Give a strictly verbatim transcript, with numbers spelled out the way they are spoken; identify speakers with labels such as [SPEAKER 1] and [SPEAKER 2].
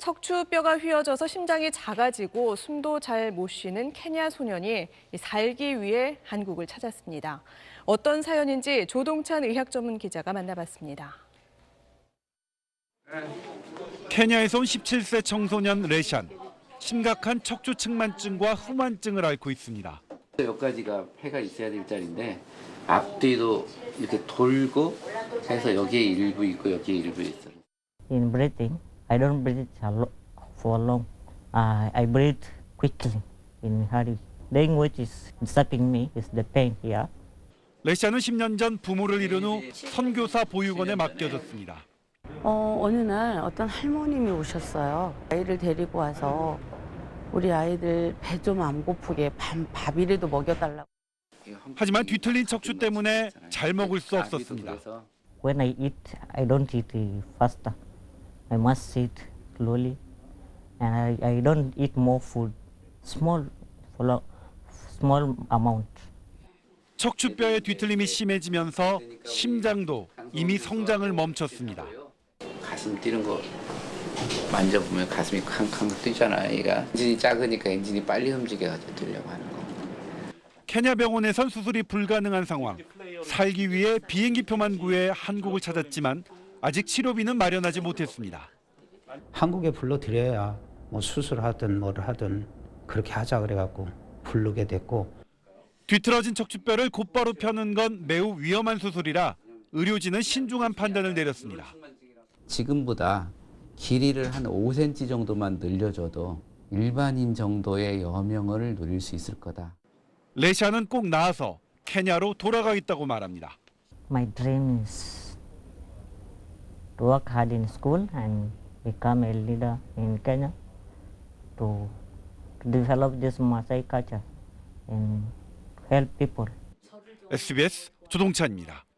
[SPEAKER 1] 척추뼈가 휘어져서 심장이 작아지고 숨도 잘 못 쉬는 케냐 소년이 살기 위해 한국을 찾았습니다. 어떤 사연인지 조동찬 의학 전문 기자가 만나봤습니다.
[SPEAKER 2] 케냐에서 온 십칠 세 청소년 레샨. 심각한 척추측만증과 후만증을 앓고 있습니다.
[SPEAKER 3] 여기까지가 폐가 있어야 될 자리인데 앞뒤도 이렇게 돌고 해서 여기에 일부 있고 여기에 일부 있어요.
[SPEAKER 4] In breathing, I don't breathe for long. Uh, I breathe quickly in hurry. Language is disturbing me. Is the pain here.
[SPEAKER 2] 레샨은 십 년 전 부모를 잃은 후 선교사 보육원에 맡겨졌습니다.
[SPEAKER 5] 어, 어느 날 어떤 할머님이 오셨어요. 아이를 데리고 와서 우리 아이들 배 좀 안 고프게 밤 밥이라도 먹여달라고.
[SPEAKER 2] 하지만 뒤틀린 척추 때문에 잘 먹을 수 없었습니다.
[SPEAKER 4] When I eat, I don't eat faster. I must eat slowly, and I, I don't eat more food. Small, small amount.
[SPEAKER 2] 척추뼈의 뒤틀림이 심해지면서 심장도 이미 성장을 멈췄습니다.
[SPEAKER 3] 가슴 뛰는 거 만져보면 가슴이 캉캉 뛰잖아. 얘가 엔진이 작으니까 엔진이 빨리 움직여가지고 뛰려고 하는 거.
[SPEAKER 2] 케냐 병원에선 수술이 불가능한 상황. 살기 위해 비행기표만 구해 한국을 찾았지만 아직 치료비는 마련하지 못했습니다.
[SPEAKER 6] 한국에 불러드려야 뭐 수술하든 뭐를 하든 그렇게 하자 그래갖고 부르게 됐고.
[SPEAKER 2] 뒤틀어진 척추뼈를 곧바로 펴는 건 매우 위험한 수술이라 의료진은 신중한 판단을 내렸습니다.
[SPEAKER 3] 지금보다 길이를 한 오 센티미터 정도만 늘려줘도 일반인 정도의 여명을 누릴 수 있을 거다.
[SPEAKER 2] 레샨은 꼭 나아서 케냐로 돌아가겠다고 말합니다.
[SPEAKER 4] My dream is to work hard in school and become a leader in Kenya to, to develop this Maasai culture and help people.
[SPEAKER 2] 에스비에스 조동찬입니다.